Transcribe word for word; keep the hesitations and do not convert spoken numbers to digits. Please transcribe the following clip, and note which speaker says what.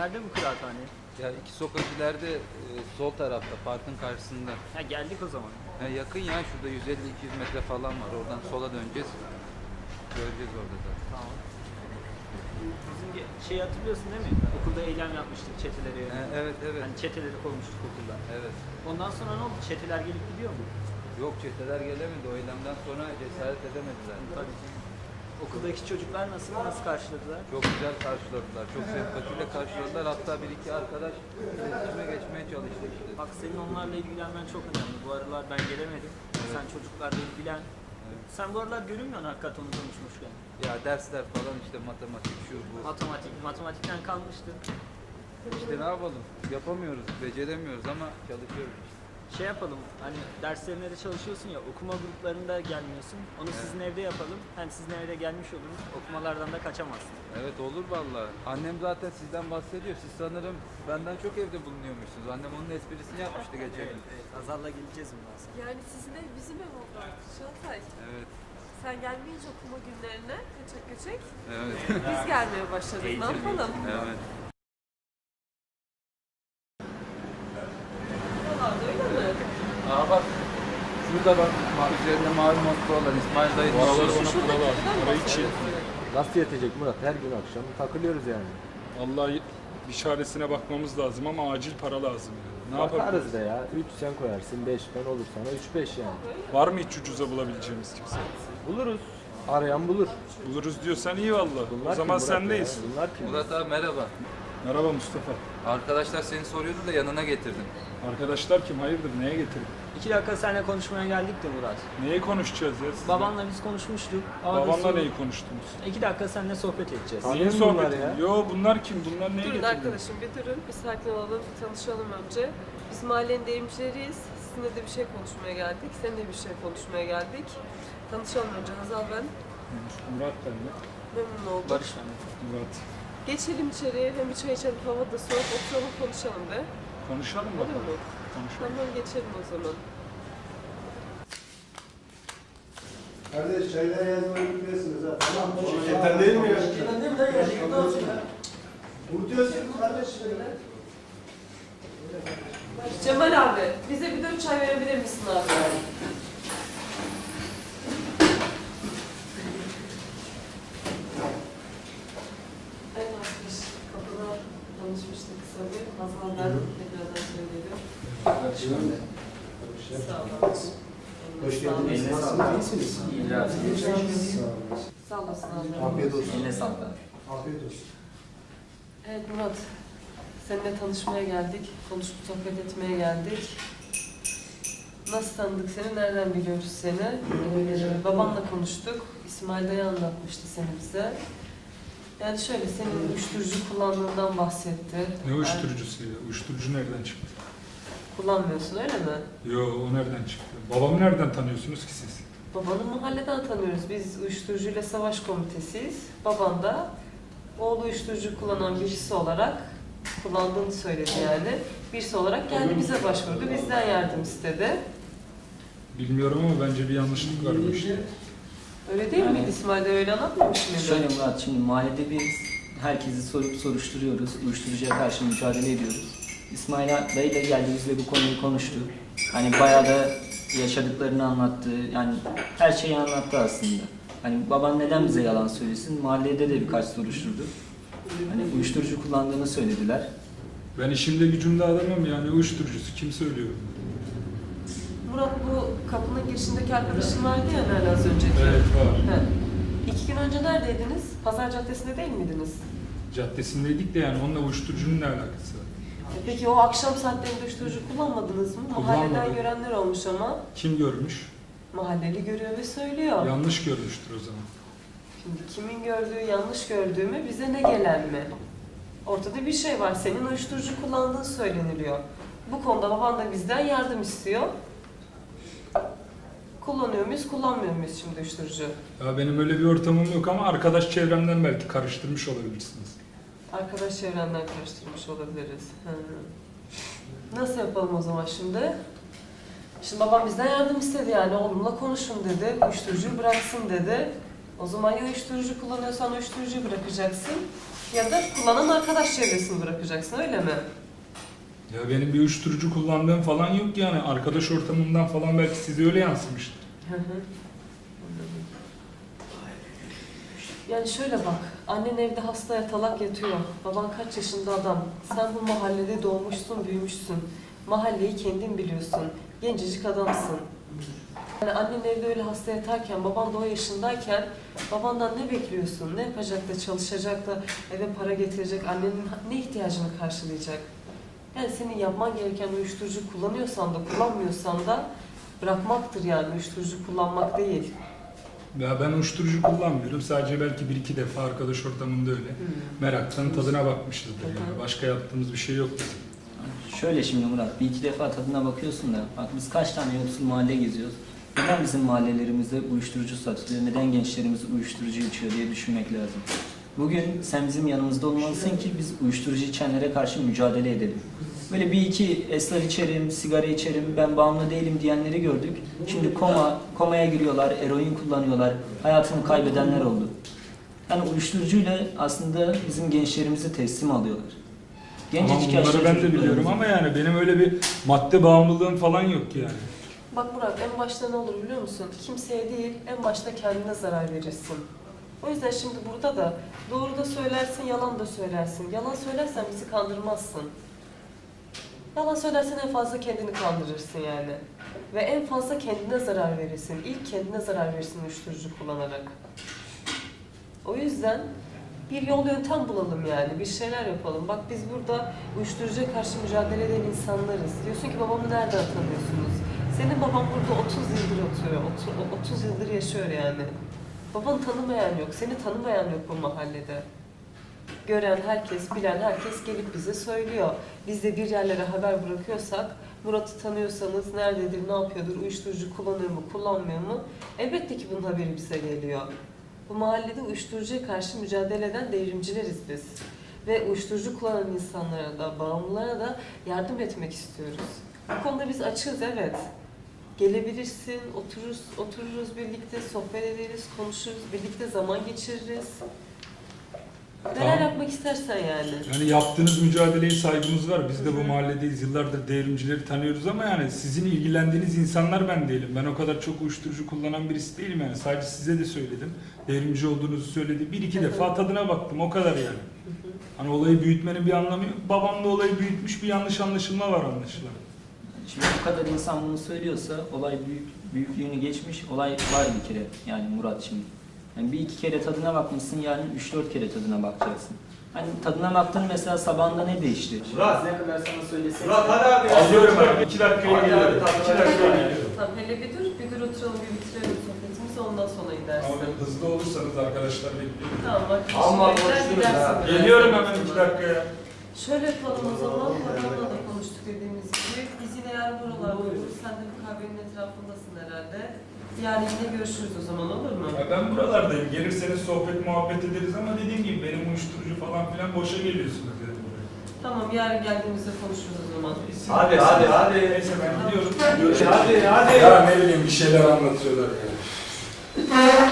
Speaker 1: Nerede bu kıraathane?
Speaker 2: Ya iki sokak ileride e, sol tarafta parkın karşısında.
Speaker 1: Ha geldik o zaman.
Speaker 2: Ya yakın ya şurada yüz elli iki yüz metre falan var. Oradan sola döneceğiz. Göreceğiz orada da.
Speaker 1: Tamam. Bizim ge- şey hatırlıyorsun değil mi? Okulda eylem yapmıştık çeteleri.
Speaker 2: E, evet evet.
Speaker 1: Hani çeteleri koymuştuk okulda.
Speaker 2: Evet.
Speaker 1: Ondan sonra ne oldu? Çeteler gelip gidiyor mu?
Speaker 2: Yok çeteler gelemedi. O eylemden sonra cesaret edemediler.
Speaker 1: Tabii. Okuldaki çocuklar nasıl? Nasıl karşıladılar?
Speaker 2: Çok güzel karşıladılar. Çok sempatiyle karşıladılar. Hatta bir iki arkadaş iletişime geçmeye çalıştı işte.
Speaker 1: Bak senin onlarla ilgilenmen çok önemli. Bu aralar ben gelemedim. Sen çocuklarla ilgilen.
Speaker 2: Evet.
Speaker 1: Sen bu aralar görünmüyorsun hakikaten onu konuşmuşken.
Speaker 2: Ya dersler falan işte matematik şu bu.
Speaker 1: Matematik, matematikten kalmıştın.
Speaker 2: İşte ne yapalım? Yapamıyoruz, beceremiyoruz ama çalışıyoruz işte.
Speaker 1: Şey yapalım, hani derslerine de çalışıyorsun ya, okuma gruplarında gelmiyorsun. Onu
Speaker 2: Evet.
Speaker 1: sizin evde yapalım. Hem sizin evde gelmiş oluruz, okumalardan da kaçamazsın.
Speaker 2: Evet olur vallahi. Annem zaten sizden bahsediyor. Siz sanırım benden çok evde bulunuyormuşsunuz. Annem onun esprisini yapmıştı geçen gün.
Speaker 1: Evet, Hazal'la geleceğiz bundan sonra.
Speaker 3: Yani sizin ev bizim ev oldu artık Çağatay.
Speaker 2: Evet.
Speaker 3: Sen gelmeyince okuma günlerine kaçak kaçak
Speaker 2: Evet.
Speaker 3: biz gelmeye başladık. Ne yapalım?
Speaker 2: evet.
Speaker 3: Buralarda öyle mi?
Speaker 2: Aa bak. Şurada bak. ma- Üzerinde mavi montlu olan İsmail dayı.
Speaker 4: Araları
Speaker 3: Şu
Speaker 4: bana
Speaker 3: şuradaki
Speaker 4: para lazım.
Speaker 3: buradan
Speaker 4: Parayı
Speaker 3: bahsediyorsun.
Speaker 4: çiğ.
Speaker 5: Nasıl yetecek Murat? Her gün akşam takılıyoruz yani.
Speaker 4: Vallahi bir çaresine bakmamız lazım ama acil para lazım yani. Ne
Speaker 5: Bakarız
Speaker 4: yapabiliriz?
Speaker 5: da ya. üç sen koyarsın, beş ben olur sana üç beş yani.
Speaker 4: Var mı hiç ucuza bulabileceğimiz kimse?
Speaker 5: Buluruz. Arayan bulur.
Speaker 4: Buluruz diyorsan iyi valla.
Speaker 5: Bunlar
Speaker 4: O zaman
Speaker 5: kim Murat
Speaker 4: sendeyiz.
Speaker 5: ya? Bunlar kim?
Speaker 2: Murat abi merhaba.
Speaker 4: Merhaba Mustafa.
Speaker 2: Arkadaşlar seni soruyordu da yanına getirdim.
Speaker 4: Arkadaşlar kim? Hayırdır? Neye getirdin?
Speaker 1: İki dakika seninle konuşmaya geldik de Murat.
Speaker 4: Neyi konuşacağız ya? sizinle?
Speaker 1: Babanla biz konuşmuştuk. Ama
Speaker 4: Babanla
Speaker 1: biz-
Speaker 4: neyi konuştunuz?
Speaker 1: İki dakika seninle sohbet edeceğiz.
Speaker 5: Tanıyor
Speaker 4: Neyin
Speaker 5: musun bunlar
Speaker 4: sohbeti?
Speaker 5: ya?
Speaker 4: Yo bunlar kim? Bunlar neye
Speaker 3: Durun
Speaker 4: getirdin?
Speaker 3: arkadaşım bir durun. Bir sakin olalım, bir tanışalım önce. Biz mahallenin deyimcileriyiz. Sizinle de bir şey konuşmaya geldik. Seninle bir şey konuşmaya geldik. Tanışalım önce. Hazal ben.
Speaker 4: Murat ben de.
Speaker 3: Memnun oldum.
Speaker 1: Barış ben.
Speaker 4: Murat.
Speaker 3: Geçelim içeriye. Hem bir çay içelim. Hava da soğuk. Oturalım konuşalım be.
Speaker 4: Konuşalım
Speaker 3: Olur
Speaker 4: bakalım.
Speaker 3: mu?
Speaker 4: Konuşalım.
Speaker 3: Tamam geçelim o zaman.
Speaker 6: Kardeş çaylar yazmayı biliyorsunuz ha. Tamam. Şirketten değil mi ya? Şirketten değil mi? Ne ya? Unutuyorsun kardeş.
Speaker 3: Cemal abi, bize bir dört çay verebilir misin abi? Evet arkadaş, kapıda tanışmıştık kısa bir. Hazal ben tekrardan söyledim. Sağ olun.
Speaker 6: Hoş geldiniz. Nasılsınız? İyisiniz?
Speaker 3: Sağ olasın abi.
Speaker 6: Afiyet olsun.
Speaker 1: Eline sağlık.
Speaker 6: Afiyet olsun.
Speaker 3: Evet Murat, seninle tanışmaya geldik. Konuşup sohbet etmeye geldik. Nasıl tanıdık seni, nereden biliyoruz seni? Ee, babanla konuştuk. İsmail dayı anlatmıştı seni bize. Yani şöyle, senin uyuşturucu kullandığından bahsetti.
Speaker 4: Ne uyuşturucusu ya? Uyuşturucu nereden çıktı?
Speaker 3: Kullanmıyorsun öyle mi?
Speaker 4: Yo o nereden çıktı? Babamı nereden tanıyorsunuz ki siz?
Speaker 3: Babanı mahalleden tanıyoruz. Biz uyuşturucuyla savaş komitesiyiz. Baban da oğlu uyuşturucu kullanan birisi olarak kullandığını söyledi yani. Birisi olarak geldi bize başvurdu. Bizden yardım istedi.
Speaker 4: Bilmiyorum ama bence bir yanlışlık var bu işte.
Speaker 3: Öyle değil
Speaker 7: Yani-
Speaker 3: miydi İsmail de öyle anlatmamış mıydı?
Speaker 7: Şöyle Murat, şimdi mahallede biz herkesi sorup soruşturuyoruz, uyuşturucuya karşı mücadele ediyoruz. İsmail dayı da geldi bizle bu konuyu konuştu. Hani bayağı da yaşadıklarını anlattı, yani her şeyi anlattı aslında. Hani baban neden bize yalan söylesin, mahallede de birkaç soruşturdu. Hani uyuşturucu kullandığını söylediler.
Speaker 4: Ben işimde gücümde adamım yani uyuşturucusu kim söylüyor?
Speaker 3: Murat bu kapının girişindeki arkadaşın vardı ya hani az önceki.
Speaker 4: Evet var.
Speaker 3: He. İki gün önce neredeydiniz? Pazar Caddesi'nde değil miydiniz?
Speaker 4: Caddesindeydik de yani onunla uyuşturucunun ne alakası var?
Speaker 3: E Peki o akşam saatlerinde uyuşturucu kullanmadınız mı? Mahalleden
Speaker 4: Kullanmadım.
Speaker 3: görenler olmuş ama
Speaker 4: Kim görmüş?
Speaker 3: mahalleli görüyor ve söylüyor.
Speaker 4: Yanlış görmüştür o zaman.
Speaker 3: Şimdi kimin gördüğü yanlış gördüğü mü bize ne gelen mi? Ortada bir şey var. Senin uyuşturucu kullandığın söyleniliyor. Bu konuda baban da bizden yardım istiyor. Kullanıyor muyuz, kullanmıyor muyuz şimdi uyuşturucu?
Speaker 4: Ya benim öyle bir ortamım yok ama arkadaş çevremden belki karıştırmış olabilirsiniz.
Speaker 3: Arkadaş çevrenden karıştırmış olabiliriz. Hı. Nasıl yapalım o zaman şimdi? Şimdi babam bizden yardım istedi yani oğlumla konuşun dedi, uyuşturucuyu bıraksın dedi. O zaman ya uyuşturucu kullanıyorsan uyuşturucuyu bırakacaksın Ya da kullanan arkadaş çevresini bırakacaksın, öyle mi?
Speaker 4: Ya benim bir uyuşturucu kullandığım falan yok yani. Arkadaş ortamından falan belki size öyle yansımıştır.
Speaker 3: Hı hı. Anladım. Yani şöyle bak, annen evde hasta yatalak yatıyor. Baban kaç yaşında adam. Sen bu mahallede doğmuşsun, büyümüşsün. Mahalleyi kendin biliyorsun. Gencecik adamsın. Yani annen evde öyle hasta yatarken, baban da o yaşındayken babandan ne bekliyorsun? Ne yapacak da, çalışacak da, eve para getirecek, annenin ne ihtiyacını karşılayacak? Yani senin yapman gereken uyuşturucu kullanıyorsan da, kullanmıyorsan da bırakmaktır yani, uyuşturucu kullanmak değil.
Speaker 4: Ya ben uyuşturucu kullanmıyorum. Sadece belki bir iki defa arkadaş ortamında öyle.
Speaker 3: Hmm.
Speaker 4: Meraktan tadına bakmışızdır yani. Başka yaptığımız bir şey yok bizim.
Speaker 7: Şöyle şimdi Murat, bir iki defa tadına bakıyorsun da, bak biz kaç tane yoksul mahalle geziyoruz. Neden bizim mahallelerimizde uyuşturucu satılıyor, neden gençlerimiz uyuşturucu içiyor diye düşünmek lazım. Bugün sen bizim yanımızda olmalısın ki biz uyuşturucu içenlere karşı mücadele edelim. Böyle bir iki esrar içerim, sigara içerim, ben bağımlı değilim diyenleri gördük. Şimdi koma, komaya giriyorlar, eroin kullanıyorlar, hayatını kaybedenler oldu. Yani uyuşturucuyla aslında bizim gençlerimizi teslim alıyorlar.
Speaker 4: Ama
Speaker 7: Gencecik
Speaker 4: bunları
Speaker 7: yaşta
Speaker 4: ben de biliyorum
Speaker 7: çocuklarımızı-
Speaker 4: ama yani benim öyle bir madde bağımlılığım falan yok yani.
Speaker 3: Bak Murat, en başta ne olur biliyor musun? Kimseye değil, en başta kendine zarar verirsin. O yüzden şimdi burada da doğru da söylersin, yalan da söylersin. Yalan söylersen bizi kandırmazsın. Yalan söylersen en fazla kendini kandırırsın yani. Ve en fazla kendine zarar verirsin. İlk kendine zarar verirsin uyuşturucu kullanarak. O yüzden bir yol yöntem bulalım yani, bir şeyler yapalım. Bak biz burada uyuşturucuya karşı mücadele eden insanlarız. Diyorsun ki babamı nereden tanıyorsunuz? Senin baban burada otuz yıldır oturuyor, otuz yıldır yaşıyor yani. Babanı tanımayan yok, seni tanımayan yok bu mahallede. Gören herkes, bilen herkes gelip bize söylüyor. Biz de bir yerlere haber bırakıyorsak, Murat'ı tanıyorsanız nerededir, ne yapıyordur, uyuşturucu kullanıyor mu, kullanmıyor mu? Elbette ki bunun haberi bize geliyor. Bu mahallede uyuşturucuya karşı mücadele eden devrimcileriz biz. Ve uyuşturucu kullanan insanlara da, bağımlılara da yardım etmek istiyoruz. Bu konuda biz açığız, evet. Gelebilirsin, otururuz, otururuz birlikte, sohbet ederiz, konuşuruz, birlikte zaman geçiririz. Neler
Speaker 4: Tamam.
Speaker 3: yapmak istersen yani.
Speaker 4: Yani yaptığınız mücadeleye saygımız var. Biz de bu mahalledeyiz. Yıllardır devrimcileri tanıyoruz ama yani sizin ilgilendiğiniz insanlar ben değilim. Ben o kadar çok uyuşturucu kullanan birisi değilim yani. Sadece size de söyledim. Devrimci olduğunuzu söyledi. Bir iki defa tadına baktım. O kadar yani. Hani olayı büyütmenin bir anlamı yok. Babam da olayı büyütmüş, bir yanlış anlaşılma var anlaşılan.
Speaker 7: Şimdi bu kadar insan bunu söylüyorsa olay büyük, büyüklüğünü geçmiş, olay var bir kere yani Murat şimdi. Yani bir iki kere tadına bakmışsın, yani üç dört kere tadına bakacaksın. Hani tadına baktın mesela sabahında ne değişti?
Speaker 6: Murat.
Speaker 7: Ne kadar sana söylesek.
Speaker 6: Murat hadi abi.
Speaker 4: Alıyorum abi. iki dakikaya
Speaker 6: Hadi,
Speaker 4: geliyorum.
Speaker 6: hadi,
Speaker 4: İki
Speaker 6: hadi.
Speaker 4: dakikaya geliyorum.
Speaker 3: Tamam, hele bir dur, bir dur oturalım, bir bitirelim sohbetimizi, ondan sonra gidersin.
Speaker 4: Ama hızlı olursanız arkadaşlar bekliyorum.
Speaker 3: Tamam bak,
Speaker 6: Amma
Speaker 3: bekler
Speaker 6: konuşuruz
Speaker 3: gidersin
Speaker 6: ha.
Speaker 3: biraz.
Speaker 4: Geliyorum hemen iki dakikaya.
Speaker 3: Şöyle yapalım o zaman, babamla da konuştuk dediğimiz gibi. Biz yine yarın buralarda oluruz. Sen de bu kahvenin etrafındasın herhalde. Yarın yine görüşürüz o zaman, olur mu?
Speaker 4: Ya ben buralardayım. Gelirseniz sohbet muhabbet ederiz ama dediğim gibi benim uyuşturucu falan filan boşa geliyorsunuz yani buraya.
Speaker 3: Tamam, yarın geldiğimizde konuşuruz o zaman.
Speaker 4: Siz-
Speaker 6: Hadi, hadi, hadi.
Speaker 4: Neyse ben gidiyorum.
Speaker 6: Hadi hadi.
Speaker 4: Ya ne bileyim bir şeyler anlatıyorlar ya.